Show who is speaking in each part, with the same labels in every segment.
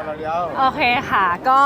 Speaker 1: เราเดียว
Speaker 2: โอเคค่ะก็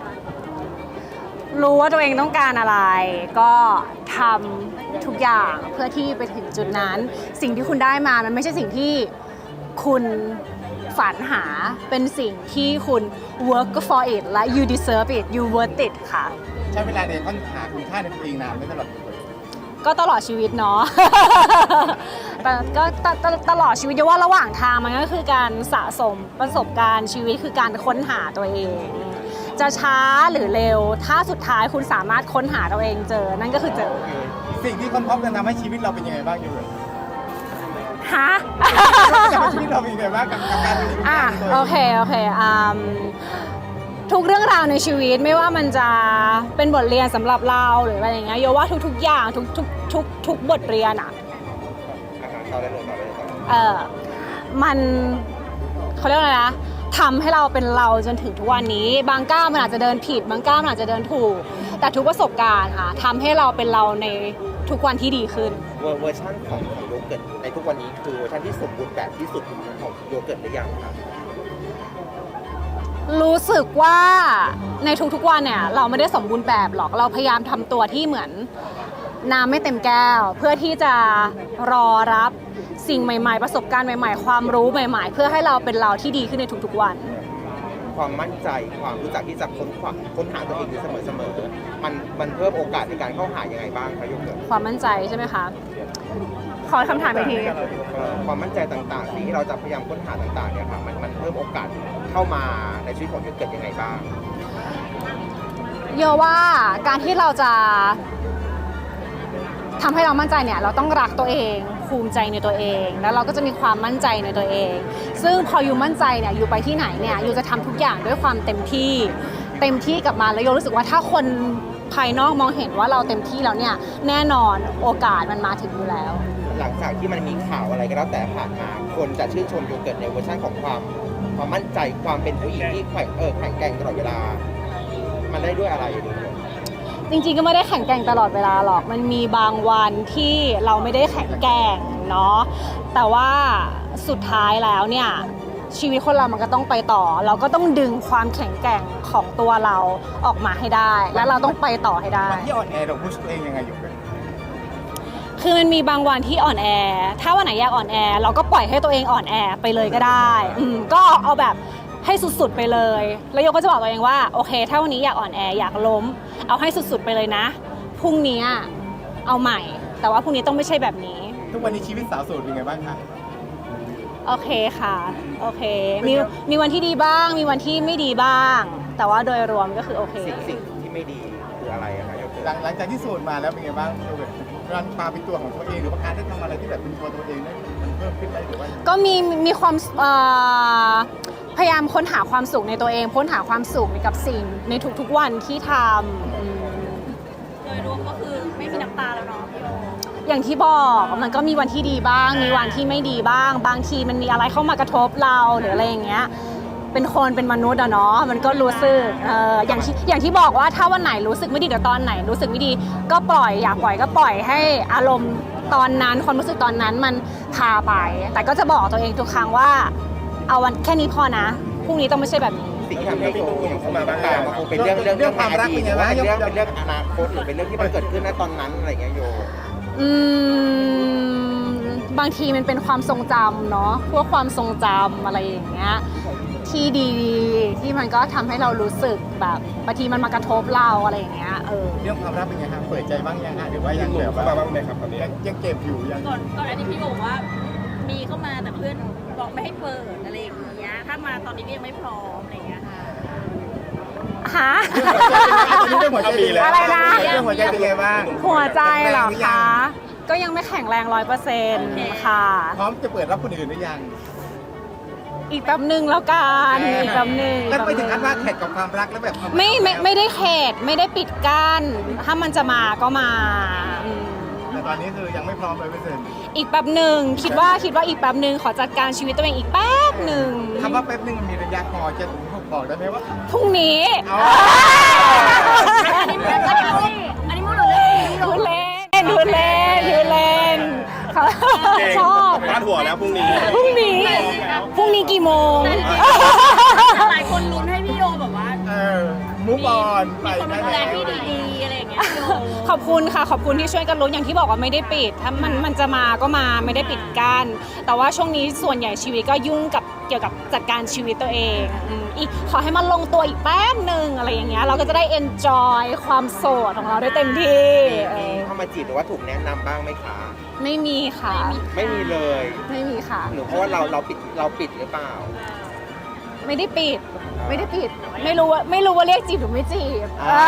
Speaker 2: รู้ว่าตัวเองต้องการอะไร ก็ทำทุกอย่างเพื่อที่ไปถึงจุดนั้น สิ่งที่คุณได้มามันไม่ใช่สิ่งที่คุณฝันหาเป็นสิ่งที่คุณ work for it และ you deserve it you worth it ค่ะ
Speaker 1: ใช้เวลาในค้นหาคุณค่าในตัวเองนานไม่ตลอด
Speaker 2: ก็ตลอดชีวิตเนาะ แต่ก็ตลอดชีวิตว่าระหว่างทางมันก็คือการสะสมประสบการณ์ชีวิตคือการค้นหาตัวเอง จะช้าหรือเร็วถ้าสุดท้ายคุณสามารถค้นหาตัวเองเจอนั่นก็คือเจอ
Speaker 1: สิ่งที่ค้นพบกันทำให้ชีวิตเราเป็นยังไงบ้างอยู่เลย
Speaker 2: ฮะ
Speaker 1: ชีวิตเราเป็นยังไงบ้างกับการเป็น
Speaker 2: โอเคทุกเรื่องราวในชีวิตไม่ว่ามันจะเป็นบทเรียนสำหรับเราหรืออะไรอย่างเงี้ยโยว่าทุกอย่างทุกบทเรียนอ่ะมันเขาเรียกว่าอะไรนะทำให้เราเป็นเราจนถึงทุกวันนี้บางก้าวมันอาจจะเดินผิดบางก้าวมันอาจจะเดินถูกแต่ทุกประสบการณ์ค่ะทำให้เราเป็นเราในทุกวันที่ดีขึ้น
Speaker 3: เวอร์ชันของโยเกิร์ตในทุกวันนี้คือเวอร์ชันที่สมบูรณ์แบบที่สุดของโยเกิร์ตหรือยังครับ
Speaker 2: รู้สึกว่าในทุกๆวันเนี่ยเราไม่ได้สมบูรณ์แบบหรอกเราพยายามทำตัวที่เหมือนน้ำไม่เต็มแก้วเพื่อที่จะรอรับสิ่งใหม่ๆประสบการณ์ใหม่ๆความรู้ใหม่ๆเพื่อให้เราเป็นเราที่ดีขึ้นในทุกๆวัน
Speaker 3: ความมั่นใจความรู้จักที่จะค้นหาตัวเองอยู่เสมอๆมันเพิ่มโอกาสในการเข้าหายังไงบ้างคะโยเกิร์ต
Speaker 2: ความมั่นใจใช่ไหมคะขอคำถามไปที
Speaker 3: ความมั่นใจต่างๆที่เราจะพยายามค้นหาต่างๆเนี่ยค่ะมันเพิ่มโอกาสเข้ามาในชีวิตของโยเกิร์ตยังไงบ้าง
Speaker 2: โยว่าการที่เราจะทำให้เรามั่นใจเนี่ยเราต้องรักตัวเองภูมิใจในตัวเองแล้วเราก็จะมีความมั่นใจในตัวเองซึ่งพออยู่มั่นใจเนี่ยอยู่ไปที่ไหนเนี่ยอยู่จะทำทุกอย่างด้วยความเต็มที่กับมันแล้วโยรู้สึกว่าถ้าคนภายนอกมองเห็นว่าเราเต็มที่แล้วเนี่ยแน่นอนโอกาสมันมาถึงอยู่แล้ว
Speaker 3: หลังจากที่มันมีข่าวอะไรก็แล้วแต่ผ่านมาคนจะชื่นชมโยเกิร์ตในเวอร์ชันของความมั่นใจความเป็นผู้หญิงที่แข็งแกร่งตลอดเวลามันได้ด้วยอะไร
Speaker 2: จริงๆก็ไม่ได้แข็งแกร่งตลอดเวลาหรอกมันมีบางวันที่เราไม่ได้แข็งแกร่งเนาะแต่ว่าสุดท้ายแล้วเนี่ยชีวิตคนเรามันก็ต้องไปต่อเราก็ต้องดึงความแข็งแกร่งของตัวเราออกมาให้ได้แล้วเราต้องไปต่อให้ได้
Speaker 1: ที่อ่อนแอเราพุชตัวเองยังไงอยู่กัน
Speaker 2: คือมันมีบางวันที่อ่อนแอถ้าวันไหนอยากอ่อนแอเราก็ปล่อยให้ตัวเองอ่อนแอไปเลยก็ได้ก็เอาแบบให้สุดๆไปเลยแล้วโยก็จะบอกตัวเองว่าโอเคถ้าวันนี้อยากอ่อนแออยากล้มเอาให้สุดๆไปเลยนะพรุ่งนี้เอาใหม่แต่ว่าพรุ่งนี้ต้องไม่ใช่แบบนี้
Speaker 1: ทุกวันนี้ชีวิตสาวโสดเป็นไงบ้างคะ
Speaker 2: โอเคค่ะโอเคมีวันที่ดีบ้างมีวันที่ไม่ดีบ้างแต่ว่าโดยรวมก็คือโอเค
Speaker 3: สิ่งที่ไม่ดีคืออะไรอะคะ
Speaker 1: หลังจากที่โสดมาแล้วเป็นไงบ้างการพาเป็นตัวของตัวเองหรือว่าการได้ทำอะไรที่แบบเป็นตัวเองได้มันเพิ่มขึ้นไหมหรือว่า
Speaker 2: ก็มีความพยายามค้นหาความสุขในตัวเองค้นหาความสุขกับสิ่งในทุกๆวันที่ท
Speaker 4: ำโดยรวมก็คือไม่มีน้ำตาแล้วเนาะ
Speaker 2: อย่างที่บอกมันก็มีวันที่ดีบ้างมีวันที่ไม่ดีบ้างบางทีมันมีอะไรเข้ามากระทบเราหรืออะไรอย่างเงี้ยเป็นคนเป็นมนุษย์อะเนาะมันก็รู้สึกอย่างที่บอกว่าถ้าวันไหนรู้สึกไม่ดีหรือตอนไหนรู้สึกไม่ดีก็ปล่อยอยากปล่อยก็ปล่อยให้อารมณ์ตอนนั้นความรู้สึกตอนนั้นมันพาไปแต่ก็จะบอกตัวเองทุกครั้งว่าเอาวันแค่นี้พอนะพรุ่งนี้ต้องไม่ใช่แบบนี้
Speaker 3: สิ่งที่ทำให้โยเข้ามาบ้างมันคงเป็นเรื่องความรักเป็นเรื่องอนาคตหรือเป็นเรื่องที่มันเกิดขึ้นณตอนนั้นอะไรเงี้ยโย
Speaker 2: บางทีมันเป็นความทรงจำเนาะพวกความทรงจำอะไรอย่างเงี้ยที่ดีที่มันก็ทำให้เรารู้สึกแบบบางทีมันมากระทบเราอะไรอย่างเงี้ย
Speaker 1: เรื่องความรักเป็นไงครับเปิดใจบ้างยังฮะหรือว่ายังแบบบ้างไหมครับตอนนี้ยังเก็บอยู่ยัง
Speaker 4: ก่อนอันนี้พี่บอกว่ามีเข้ามาแต่เพื่อนบอกไม่ให้เปิดอะไรอย่างเงี้ยถ้ามาตอนนี้ก็ยังไม่พร้อมอะไรอย่างเงี้ย
Speaker 2: ค่ะ
Speaker 1: เรื่องหัวใจ
Speaker 2: อะไรนะ
Speaker 1: เรื่องหัวใจเป็นไงบ้าง
Speaker 2: หัวใจเหรอคะก็ยังไม่แข็งแรง 100% ค่ะ
Speaker 1: พร้อมจะเปิดรับคนอื่นหรือยัง
Speaker 2: อีกแป๊บนึงแล้วกันอีกแป๊บนึง
Speaker 1: แล้วไปถึงขั้นว่าแข่งกับความรักแล้วแบบ
Speaker 2: ไม่ได้เขตไม่ได้ปิดกั้นถ้ามันจะมาก็มา
Speaker 1: แต่ตอนนี้คือยังไม่พร้อมเลย
Speaker 2: อีกแป๊บหนึ่งคิดว่าอีกแป๊บหนึ่งขอจัดการชีวิตตัวเองอีกแป๊บหนึ่ง
Speaker 1: คำว่าแป๊บหนึ่งมันมีระยะพอจะบอกได้ไหมว่า
Speaker 2: พรุ่งนี้
Speaker 4: อันนี้พูดเลย
Speaker 2: ดูเล่นชอบ
Speaker 3: พาดหัวแล้วพรุ่งนี้
Speaker 2: กี่โมง
Speaker 4: หลายคนลุ้นให้
Speaker 2: ขอบคุณค่ะขอบคุณที่ช่วยกันลุ้นอย่างที่บอกว่าไม่ได้ปิดถ้ามันจะมาก็มาไม่ได้ปิดกั้นแต่ว่าช่วงนี้ส่วนใหญ่ชีวิตก็ยุ่งกับเกี่ยวกับจัดการชีวิตตัวเองอีกขอให้มันลงตัวอีกแป๊บหนึ่งอะไรอย่างเงี้ยเราก็จะได้ enjoy ความโสดของเราได้เต็มที่
Speaker 3: มีเข้ามาจีบหรือว่าถูกแนะนำบ้างไหมคะ
Speaker 2: ไม่มีค่ะ
Speaker 3: ไม่มีเลย
Speaker 2: ไม่มีค่ะ
Speaker 3: หรือเพราะว่าเราปิดหรือเปล่า
Speaker 2: ไม่ได้ปิดไม่ได้ปิดไม่รู้ว่าเรียกจีบหรือไม่จีบ
Speaker 3: อ่า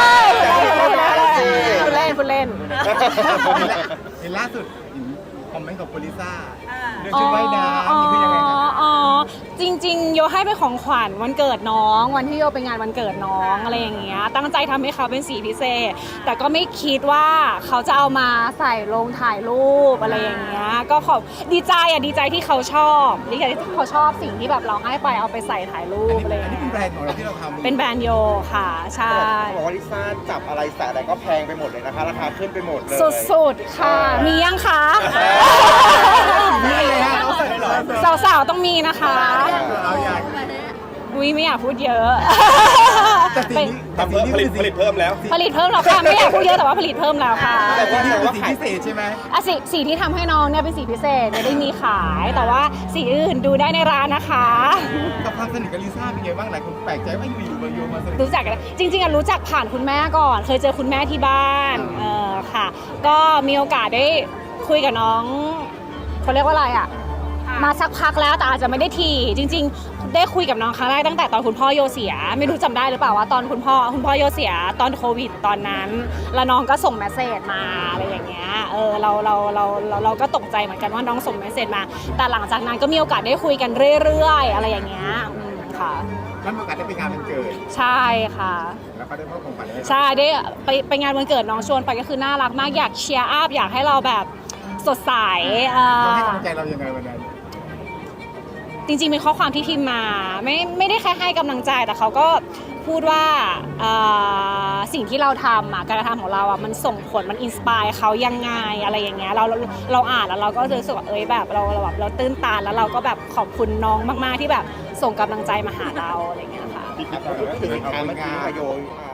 Speaker 2: พูดเล่นพูดเล่น
Speaker 1: เห็นล่าสุดเห็นคอมเมนต์ของโพลิซ่า
Speaker 4: อ่า
Speaker 1: เรื่องชุดว่ายน้ำนี่คือยังไงครับ
Speaker 2: อ๋อจริงๆโยให้เป็นของขวัญวันเกิดน้องวันที่โยไปงานวันเกิดน้องอะไรอย่างเงี้ยตั้งใจทำให้เขาเป็นสีพิเศษ แต่ก็ไม่คิดว่าเขาจะเอามาใส่ลงถ่ายรูปอะไรอย่างเงี้ยก็ขอบดีใจที่เขาชอบดีใจที่เขาชอบสิ่งที่แบบเราให้ไปเอาไปใส่ถ่ายรู
Speaker 1: อัน
Speaker 2: ป
Speaker 1: นี้
Speaker 2: อะไรอย่าง
Speaker 1: เป็น
Speaker 2: เงี้ย
Speaker 1: แบรนด์ของเราที่เราทำ
Speaker 2: เป็นแบรนด์โยค่ะใช่
Speaker 3: เขาบอกว่าลิซ่าจับอะไรใส่อะไรก็แพงไปหมดเลยนะคะ ราคาขึ้นไปหมดเลย
Speaker 2: สุดๆค่ะมียังคะ
Speaker 1: นี่เลยฮะเขาใส่หรอ
Speaker 2: สาวๆต้องมีนะคะ
Speaker 1: เอาอย่าง
Speaker 2: อุ้ยไม่อยากพูดเยอะ
Speaker 1: แต่สิ่งนี้แต่สิ่งนี้
Speaker 5: ผลิตเพิ่มแล้ว
Speaker 2: ผลิตเพิ่มแล้วค่ะไม่อยากพูดเยอะแต่ว่าผลิตเพิ่มแล้วค่ะ
Speaker 1: แต่สิ่งนี้เป็นสิ่งพิเศษใช่ไหม
Speaker 2: อ่ะสีที่ทำให้น้องเนี่ยเป็นสีพิเศษไม่ได้มีขายแต่ว่าสีอื่นดูได้ในร้านนะคะ
Speaker 1: กับความสนิทกับลิซ่าเป็นไงบ้างหลายคนแปลกใจว่าอยู่ๆมาโยมาสนิท
Speaker 2: รู้จักกันจริงๆอ่ะรู้จักผ่านคุณแม่ก่อน เคยเจอคุณแม่ที่บ้านค่ะ ก็มีโอกาสได้คุยกับน้องเขาเรียกว่าอะไรอ่ะมาสักพักแล้วแต่อาจจะไม่ได้ทีจริง ๆ ได้คุยกับน้องครั้งแรกตั้งแต่ตอนคุณพ่อโยเสีย ไม่รู้จำได้หรือเปล่าว่าตอนคุณพ่อโยเสียตอนโควิดตอนนั้น แล้วน้องก็ส่งเมสเซจมาอะไรอย่างเงี้ยเราก็ตกใจเหมือนกันว่าน้องส่งเมสเซจมา แต่หลังจากนั้นก็มีโอกาสได้คุยกันเรื่อยๆอะไรอย่างเงี้ยค่ะ
Speaker 1: แล้วมีโอกาสได้ไปงานวันเกิด
Speaker 2: ใช่ค่ะ
Speaker 1: แล้วก็ได้มอบของขวัญให้
Speaker 2: ใช่ได้ไปงานวันเกิดน้องชวนไปก็คือน่ารักมากอยากเชียร์อัพอยากให้เราแบบสดใส
Speaker 1: เขาให้กำลังใจเรายังไงวันนั้น
Speaker 2: จริงๆเป็นข้อความที่พิมพ์มาไม่ได้แค่ให้กำลังใจแต่เขาก็พูดว่าสิ่งที่เราทำการกระทำของเรามันส่งผลมันอินสปายเขายังไงอะไรอย่างเงี้ยเราอ่านแล้วเราก็รู้สึกว่าแบบเราตื้นตันแล้วเราก็แบบขอบคุณน้องมากๆที่แบบส่งกำลังใจมาหาเราอะไรอย่างเงี้ยค่ะ
Speaker 3: ถึงทางเมื่อกี้ค่ะโย